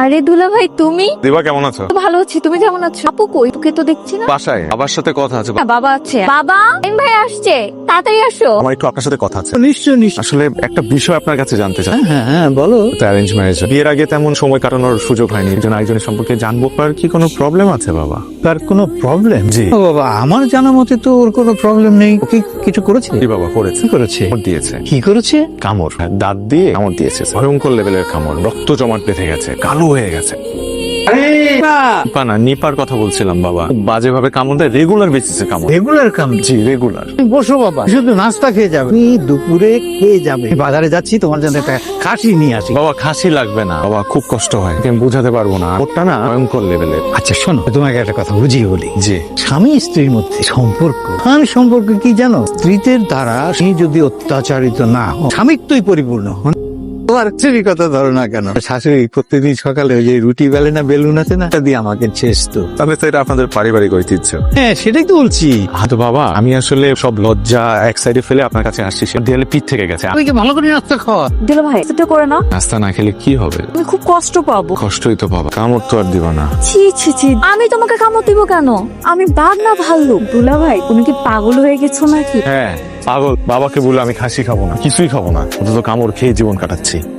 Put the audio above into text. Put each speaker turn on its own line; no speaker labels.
আরে দুলা ভাই তুমি?
দিবা কেমন আছো?
ভালো আছি, তুমি কেমন আছো? আপু কই? তোকে তো দেখছি না।
বাসায় বাবার সাথে কথা আছে।
হ্যাঁ, বাবা আছে। বাবা এম ভাই আসছে, তাড়াতাড়ি আসো।
আমার একটু আপনার সাথে কথা আছে।
নিশ্চয় নিশ্চয়।
আসলে একটা বিষয় আপনার কাছে জানতে চাই।
হ্যাঁ হ্যাঁ বলো।
অ্যারেঞ্জ ম্যারেজ, বিয়ের আগে তেমন সময় কাটানোর সুযোগ হয়নি, একজন আরেকজনের সম্পর্কে জানবো। আর কি কোনো প্রবলেম আছে বাবা?
তার কোনো প্রবলেম?
জি।
ও বাবা, আমার জানা মতে তো ওর কোনো প্রবলেম নেই। ও কি কিছু করেছে?
জি বাবা, করেছে।
কি করেছে?
কামড় দিয়েছে।
কি করেছে?
কামড়, দাঁত দিয়ে কামড় দিয়েছে। ভয়ঙ্কর লেভেলের কামড়, রক্ত জমাট বেঁধে গেছে, কালো হয়ে গেছে। নিপা না, নিপার কথা বলছিলাম বাবা। বাজেভাবে কামড় দেয়, রেগুলার বেসিসে কামড়।
রেগুলার কাম?
জি রেগুলার।
তুমি বসো বাবা, শুধু নাস্তা খেয়ে যাবে। তুমি দুপুরে খেয়ে যাবে। আমি বাজারে যাচ্ছি, তোমার জন্য একটা খাসি নিয়ে আসি।
বাবা খাসি লাগবে না বাবা, খুব কষ্ট হয়, আমি বুঝাতে পারবো না। ওটা না ভয়ঙ্কর লেভেলের।
আচ্ছা শোনো, তোমাকে একটা কথা বুঝিয়ে বলি।
জি।
স্বামী স্ত্রীর মধ্যে সম্পর্ক, সম্পর্ক কি জানো? স্ত্রীদের দ্বারা স্ত্রী যদি অত্যাচারিত না হয়, স্বামিত্বই পরিপূর্ণ। তোমার স্ত্রীর কথা ধরো না কেন, শাশুড়ি প্রত্যেকদিন সকালে ওই যে রুটি বেলে না, বেলুন আছে না, এটা দিয়ে আমাকে ছেঁচতো।
তাহলে তো এটা আপনাদের পারিবারিক ঐতিহ্য।
হ্যাঁ সেটাই তো বলছি।
তো বাবা, আমি আসলে সব লজ্জা এক সাইডে ফেলে আপনার কাছে আসছি। সে দেয়ালে পিঠ থেকে গেছে।
ওইকে ভালো করে নাস্তা খাওয়া।
দুলা ভাই সেটা করে না,
নাস্তা না খেলে কি হবে?
তুমি খুব কষ্ট পাবো।
কষ্টই তো বাবা, কামড় তো আর দিব না।
ছি ছি ছি, আমি তোমাকে কামড় দিব কেন? আমি বাঘ না ভাল্লুক? দুলা ভাই তুমি কি পাগল হয়ে গেছো নাকি?
হ্যাঁ পাগল। বাবাকে বলে আমি খাসি খাবো না, কিছুই খাবো না, অন্তত কামড় খেয়ে জীবন কাটাচ্ছি।